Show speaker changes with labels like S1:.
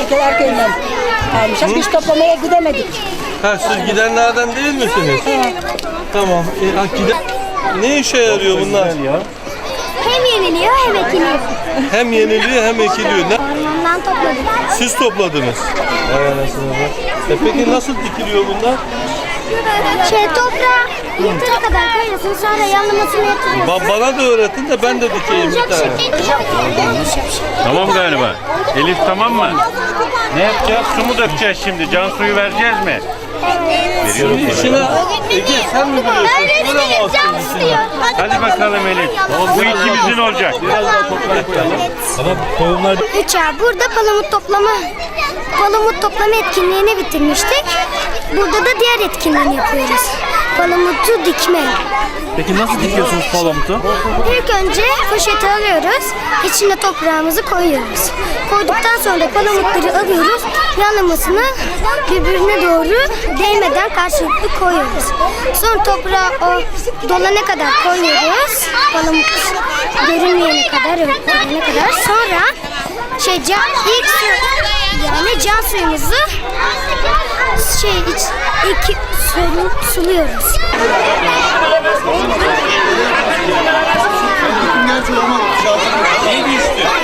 S1: Tekeler köyünden almışız. Biz toplamaya gidemedik.
S2: Ha, siz gidenlerden değil misiniz?
S1: Evet.
S2: Tamam. Ne işe yarıyor bunlar?
S3: Hem yeniliyor hem ekiliyor.
S2: Hem yeniliyor hem ekiliyor.
S3: Ormandan topladık.
S2: Siz topladınız. Vay anasını be. Peki nasıl dikiliyor bunlar?
S3: Toprağa yırtığa kadar koyuyorsun, sonra yanlamasını yatırıyorsun.
S2: Bana da öğretin de ben de dikeyim bir tane.
S4: Tamam galiba. Elif tamam mı? Ne yapacağız? Su mu dökeceğiz şimdi? Can suyu vereceğiz mi? Veriyorum sana.
S2: İşine Ege sen mi biliyorsun? Böyle mi
S3: Can diyor.
S4: Hadi bakalım Elif. Bu ikimizin olacak.
S2: Biraz daha toprak koyalım.
S4: Ama tohumlar...
S3: 3A burada palamut toplama etkinliğini bitirmiştik. Burada da diğer etkinliğini yapıyoruz. Palamutu dikme.
S4: Peki nasıl dikiyorsunuz palamutu?
S3: İlk önce poşeti alıyoruz, içine toprağımızı koyuyoruz. Koyduktan sonra palamutları alıyoruz, yanlamasını birbirine doğru değmeden karşılıklı koyuyoruz. Sonra toprağı o dolana kadar koyuyoruz, palamut görünmeyene kadar, örtülene kadar. Sonra ilk su, yani can suyumuzu suluyoruz.
S2: Ne düştü?